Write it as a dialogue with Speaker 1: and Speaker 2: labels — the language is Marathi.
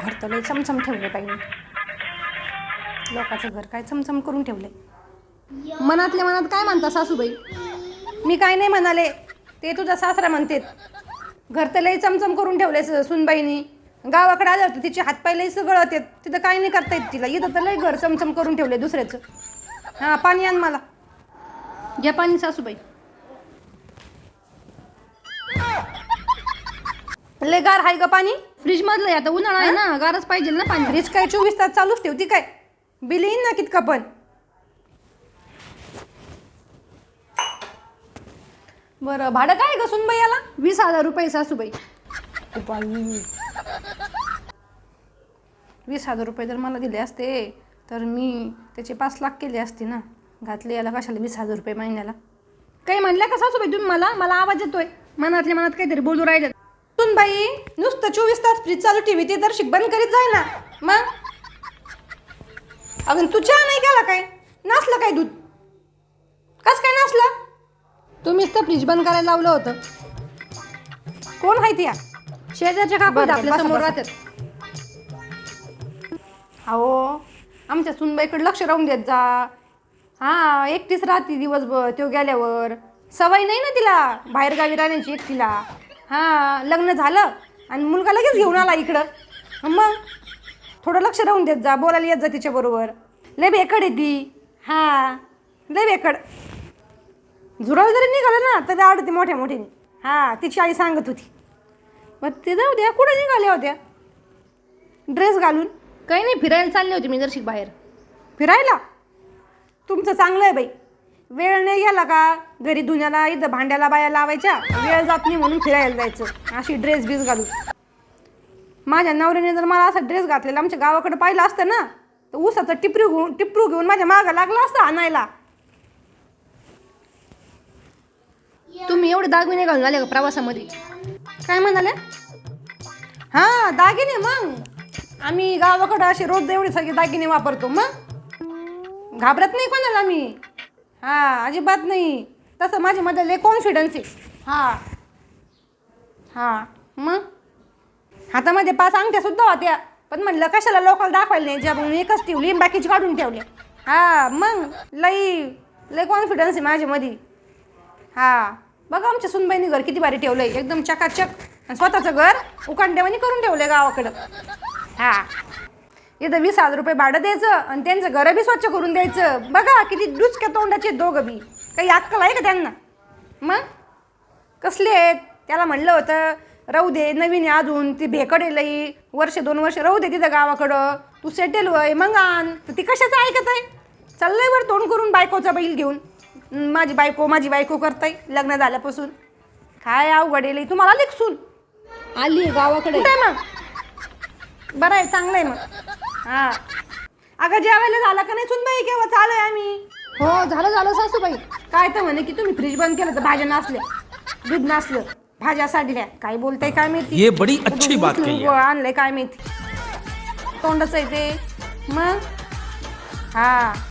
Speaker 1: घर तर लय चमचम ठेवले पाहिजे. लोकांचं घर काय चमचम करून ठेवले.
Speaker 2: मनातल्या मनात काय म्हणता सासूबाई?
Speaker 1: मी काय नाही म्हणाले, ते तुझा सासरा म्हणतेत. घर तर लय चमचम करून ठेवले सुनबाईनी. गावाकडे आलं होतं तिचे हातपाय लय सगळं होते, तिथं काय नाही करता येत तिला. इथं तर लय घर चमचम करून ठेवले दुसऱ्याचं. हां, पाणी आण मला.
Speaker 2: घ्या पाणी सासूबाई.
Speaker 1: लय गार आहे ग पाणी.
Speaker 2: फ्रीज मधलं आहे, आता उन्हाळा आहे ना, गारच पाहिजे ना पाणी.
Speaker 1: फ्रीज काय 24 तास चालूच ठेवती काय? बिल येईन ना कितका पण. बरं, भाडं काय ग सुनबाई याला?
Speaker 2: 20,000 रुपये सासूबाई.
Speaker 1: 20,000 रुपये जर मला दिले असते तर मी त्याचे 5 लाख केले असते ना. घातले याला कशाला 20,000 रुपये महिन्याला.
Speaker 2: काही म्हणल्या का सासूबाई तुम्ही? मला आवाज येतोय. मनातल्या मनात काहीतरी बोलू राहिले.
Speaker 1: सुनबाई नुसतं 24 तास फ्रीज चालू ठेवी, ते तर बंद करीत जाय ना. मग अगं तू चहा नाही केला काय? नसलं काय दूध? कस काय नसलं?
Speaker 2: तुम्हीच तर फ्रीज बंद करायला लावलं होतं.
Speaker 1: कोण आहे ती?
Speaker 2: शेजारच्या काकू
Speaker 1: बरं,
Speaker 2: आपल्या
Speaker 1: बसा,
Speaker 2: समोर
Speaker 1: बसा.
Speaker 2: राहतात.
Speaker 1: अहो आमच्या सुनबाईकडे लक्ष राहून देत जा. हां, एकटीच राहते दिवसभर. तो गेल्यावर सवय नाही ना तिला बाहेरगावी राहण्याची एकटीला. हां, लग्न झालं आणि मुलगा लगेच घेऊन आला इकडं. मग थोडं लक्ष राहून देत जा, बोलायला येत जा तिच्याबरोबर. लय बेकड आहे ती. हां, लय बेकड. झुरळ जरी निघालं ना तरी आवडते मोठ्या मोठ्याने. हां, तिची आई सांगत होती. मग ते जाऊ द्या, कुठे निघाल्या होत्या ड्रेस घालून?
Speaker 2: काही नाही, फिरायला चालले होते मी जरशी बाहेर.
Speaker 1: फिरायला? तुमचं चांगलं आहे बाई. वेळ नाही गेला का घरी धुण्याला, इथं भांड्याला बाया लावायच्या. वेळ जात नाही म्हणून फिरायला जायचं अशी ड्रेस बीस घालून. माझ्या नवऱ्याने जर मला असा ड्रेस घातलेला आमच्या गावाकडे पाहिलं असतं ना तर ऊसाचं टिपरू घेऊन माझ्या मागं लागला असतं आणायला.
Speaker 2: तुम्ही एवढे दागिने घालून आले का प्रवासामध्ये?
Speaker 1: काय म्हणाले? हां, दागिने. मग आम्ही गावाकडं असे रोज एवढे सगळे दागिने वापरतो. मग घाबरत नाही कोणाला मी. हां, अजिबात नाही. तसं माझ्यामध्ये लय कॉन्फिडन्स आहे. हां हां, मग हातामध्ये 5 अंगठ्यासुद्धा होत्या, पण म्हणलं कशाला लोकांना दाखवायला नाही, ज्या म्हणून एकच ठेवली, बाकीची काढून ठेवले. हां, मग लय कॉन्फिडन्स आहे माझ्यामध्ये. हां, बघा आमच्या सुनबाईने घर किती भारी ठेवलं आहे, एकदम चकाचक. आणि स्वतःचं घर उकांड्यावानी करून ठेवलं आहे गावाकडं. हां, इथं 20,000 रुपये भाडं द्यायचं आणि त्यांचं घरं बी स्वच्छ करून द्यायचं. बघा किती डुचक्या तोंडाचे दोघं बी. काही अक्कल आहे का त्यांना? मग कसले आहेत? त्याला म्हणलं होतं राहू दे, नवीन आहे अजून, ती भेकडे लई, 1-2 वर्ष राहू दे तिथं गावाकडं, तू सेटल होय मग आण. तर ती कशाचं ऐकत आहे? चाललंय वर तोंड करून बायकोचा बैल घेऊन. माझी बायको करताय लग्न झाल्यापासून. काय अवघड आहे. तुम्हाला लिखसून
Speaker 2: आली गावाकडे.
Speaker 1: कुठे मग? बरं आहे, चांगलं आहे मग. हां, अगं जेवायला झालं का नाही सुनबाई? केव्हा चालू आहे आम्ही?
Speaker 2: हो, झालं सासूबाई.
Speaker 1: काय तर म्हणे की तुम्ही फ्रीज बंद केलं तर भाज्या नसल्या, दूध नसलं, भाज्या साडल्या. काय बोलताय काय माहिती?
Speaker 3: ये बड़ी अच्छी बात कही है.
Speaker 1: आणलंय काय माहिती, तोंडच आहे ते. मग हां,